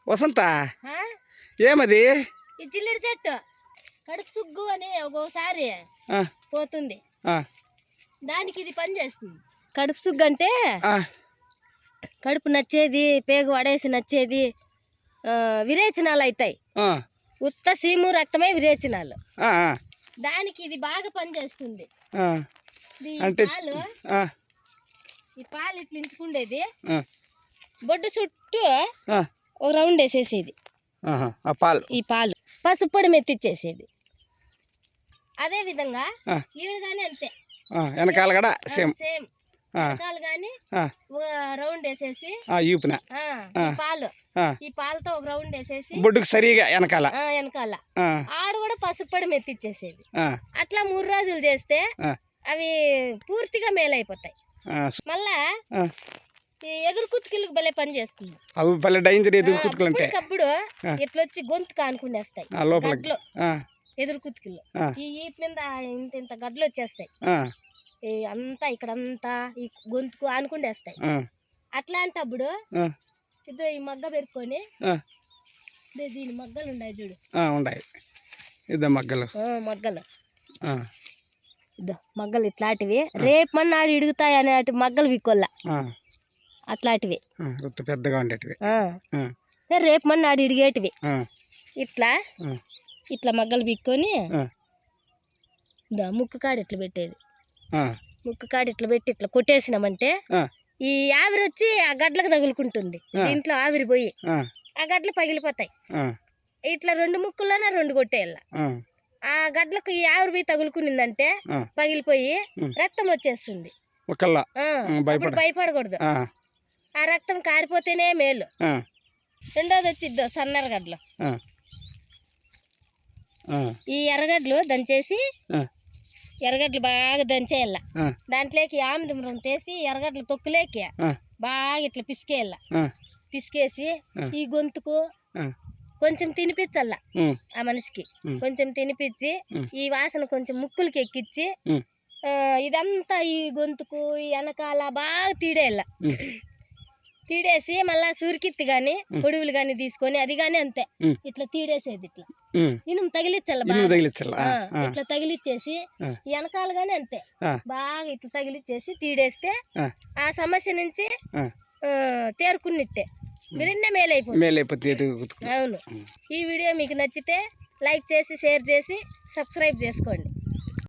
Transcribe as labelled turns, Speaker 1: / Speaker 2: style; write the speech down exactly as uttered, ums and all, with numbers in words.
Speaker 1: వసంత ఏమది?
Speaker 2: ఈ జిల్లుడి చెట్టు కడుపు సుగ్గు అని ఒక్కోసారి పోతుంది, దానికి ఇది పని చేస్తుంది. కడుపు సుగ్గు అంటే కడుపు నచ్చేది, పేగు వడేసి నచ్చేది, విరేచనాలు అవుతాయి. ఉత్త సీము రక్తమే విరేచనాలు. దానికి ఇది బాగా పనిచేస్తుంది. పాలు ఈ పాలు ఇట్లా ఇంచుకుండేది, బొడ్డు చుట్టూ ఒక రౌండ్ వేసేసేది. ఈ పాలు పసుపు పొడి మెత్తిచ్చేసేది. అదే విధంగా ఈడు గానీ అంతే,
Speaker 1: వెనకాల కూడా సేమ్
Speaker 2: సేమ్ వెనకాల గానీ రౌండ్ వేసేసి పాలు ఈ పాలతో ఒక రౌండ్ వేసేసి
Speaker 1: బొడ్డుకు సరిగా వెనకాల
Speaker 2: వెనకాల ఆడు కూడా పసుపు పొడి మెత్తిచ్చేసేది. అట్లా మూడు రోజులు చేస్తే అవి పూర్తిగా మేలైపోతాయి. మళ్ళా ఎదురు కుతుకులకు భలే పని చేస్తుంది. అప్పుడు ఇట్లొచ్చి గొంతు కానుకుండేస్తాయి గడ్లు, ఎదురు కుతుకులు ఈ ఈపు మీద ఇంత ఇంత గడ్లు వచ్చేస్తాయి. అంతా ఇక్కడంతా ఈ గొంతుకు ఆనుకుండేస్తాయి. అట్లాంటప్పుడు ఇదో ఈ మగ్గ పెరుక్కొని దీని మగ్గలు ఉన్నాయి చూడు,
Speaker 1: ఇదో మగ్గలు
Speaker 2: మగ్గలు ఇదో మగ్గలు ఇట్లాంటివి రేపు మన్నాడు ఇడుగుతాయి అనే మగ్గలు విక్కొల్ల అట్లాంటివి
Speaker 1: పెద్దగా ఉండేటివి,
Speaker 2: రేపు మన్నాడు ఇడిగేటివి. ఇట్లా ఇట్లా మగ్గలు బిక్కొని ముక్కు కాడ ఇట్లా పెట్టేది. ముక్కు కాడ ఇట్లా పెట్టి ఇట్లా కొట్టేసినామంటే ఈ ఆవిరి వచ్చి ఆ గడ్లకు తగులుకుంటుంది. దీంట్లో ఆవిరి పోయి ఆ గడ్లు పగిలిపోతాయి. ఇట్లా రెండు ముక్కుల్లోనే రెండు కొట్టేయాల. ఆ గడ్లకు ఈ ఆవిరి పోయి తగులుకునిందంటే పగిలిపోయి రక్తం వచ్చేస్తుంది. అప్పుడు భయపడకూడదు, ఆ రక్తం కారిపోతేనే మేలు. రెండోది వచ్చి ఇద్దో సన్నర గడ్లు, ఈ ఎర్రగడ్లు దంచేసి ఎర్రగడ్డలు బాగా దంచేయాల. దాంట్లోకి ఆముదం తీసి ఎర్రగడ్డలు తొక్కులేకి బాగా ఇట్లా పిసికేయాల. పిసికేసి ఈ గొంతుకు కొంచెం తినిపించల్లా, ఆ మనిషికి కొంచెం తినిపించి ఈ వాసన కొంచెం ముక్కులకి ఎక్కించి ఇదంతా ఈ గొంతుకు ఈ వెనకాల బాగా తీడేయాల. తీడేసి మళ్ళా సూరికిత్తి గాని పొడువులు గాని తీసుకొని అది గాని అంతే ఇట్లా తీడేసేది. ఇట్లా ఇనుము తగిలించాల, ఇట్లా తగిలిచ్చేసి వెనకాల గాని అంతే బాగా ఇట్లా తగిలిచ్చేసి తీడేస్తే ఆ సమస్య నుంచి తేరుకున్నట్టే, మీరన్నే మేలైపోతుంది. అవును. ఈ వీడియో మీకు నచ్చితే లైక్ చేసి షేర్ చేసి సబ్స్క్రైబ్ చేసుకోండి.